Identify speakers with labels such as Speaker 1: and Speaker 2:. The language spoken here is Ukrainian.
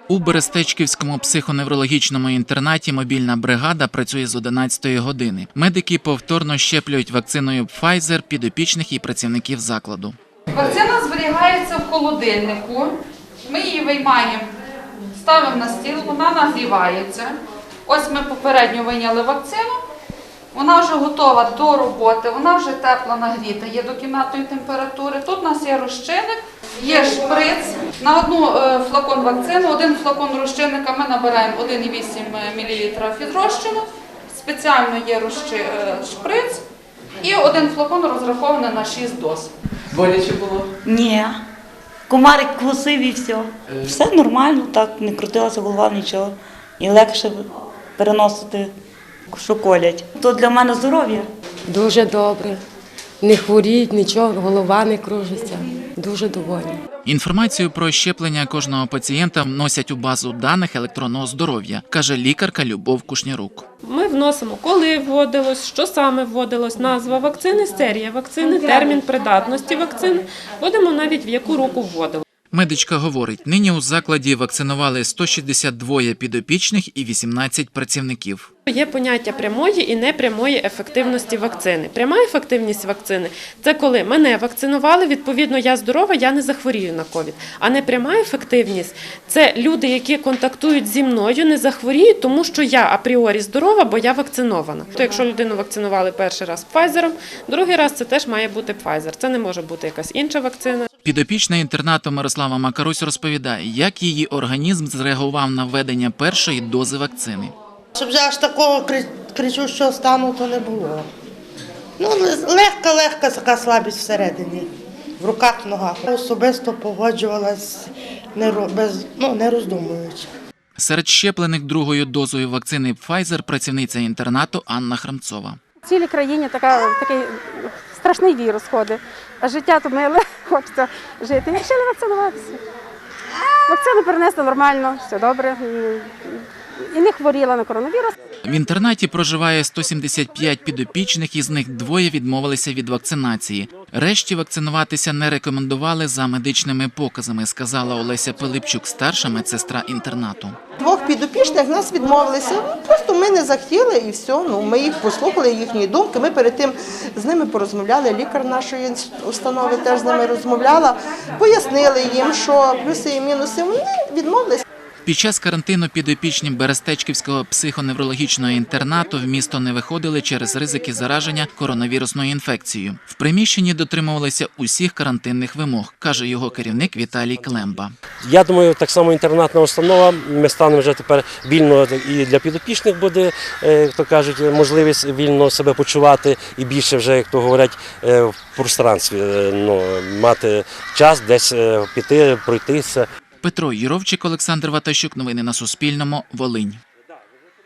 Speaker 1: У Берестечківському психоневрологічному інтернаті мобільна бригада працює з 11-ї години. Медики повторно щеплюють вакциною Pfizer підопічних і працівників закладу.
Speaker 2: Вакцина зберігається в холодильнику. Ми її виймаємо, ставимо на стіл, вона нагрівається. Ось ми попередньо вийняли вакцину. Вона вже готова до роботи, вона вже тепло нагріта, є до кімнатної температури. Тут у нас є розчинник, є шприц. На одну флакон вакцини, один флакон розчинника ми набираємо 1,8 мл фізрозчину. Спеціально є шприц і один флакон розрахований на 6 доз.
Speaker 3: Боляче було?
Speaker 4: Ні. Комарик кусив і все. Все нормально, так, не крутилася голова, нічого. І легше переносити, що колять. То для мене здоров'я.
Speaker 5: Дуже добре. Не хворіють, нічого, голова не кружиться. Дуже довольна.
Speaker 1: Інформацію про щеплення кожного пацієнта вносять у базу даних електронного здоров'я, каже лікарка Любов Кушнярук.
Speaker 6: Ми вносимо, коли вводилось, що саме вводилось, назва вакцини, серія вакцини, термін придатності вакцини, вводимо навіть в яку руку вводили.
Speaker 1: Медичка говорить, нині у закладі вакцинували 162 підопічних і 18 працівників.
Speaker 6: Є поняття прямої і непрямої ефективності вакцини. Пряма ефективність вакцини – це коли мене вакцинували, відповідно я здорова, я не захворію на ковід. А непряма ефективність – це люди, які контактують зі мною, не захворіють, тому що я апріорі здорова, бо я вакцинована. То якщо людину вакцинували перший раз Pfizer, другий раз це теж має бути Pfizer. Це не може бути якась інша вакцина.
Speaker 1: Підопічна інтернату Мирослава Макарусь розповідає, як її організм зреагував на введення першої дози вакцини.
Speaker 7: Щоб вже аж такого кричущого стану то не було. Ну, легка така слабість всередині, в руках, в ногах. Особисто погоджувалась, не роздумуючи.
Speaker 1: Серед щеплених другою дозою вакцини Pfizer працівниця інтернату Анна Храмцова.
Speaker 8: В цілій країні такий страшний вірус ходить, а життя то миле, хочеться жити. І вирішили вакцинуватися. Вакцину перенесли нормально, все добре. І не хворіла на коронавірус.
Speaker 1: В інтернаті проживає 175 підопічних, із них двоє відмовилися від вакцинації. Решті вакцинуватися не рекомендували за медичними показами, сказала Олеся Пилипчук, старша медсестра інтернату.
Speaker 7: Двох підопічних нас відмовилися, просто ми не захотіли і все. Ми їх послухали, їхні думки. Ми перед тим з ними порозмовляли, лікар нашої установи теж з ними розмовляла, пояснили їм, що плюси і мінуси, вони відмовилися.
Speaker 1: Під час карантину підопічні Берестечківського психоневрологічного інтернату в місто не виходили через ризики зараження коронавірусною інфекцією. В приміщенні дотримувалися усіх карантинних вимог, каже його керівник Віталій Клемба.
Speaker 9: Я думаю, так само інтернатна установа, ми станемо вже тепер вільно і для підопічних буде, як то кажуть, можливість вільно себе почувати і більше вже, як то говорять, в пространстві, мати час десь піти, пройтися.
Speaker 1: Петро Юровчик, Олександр Ватащук. Новини на Суспільному. Волинь.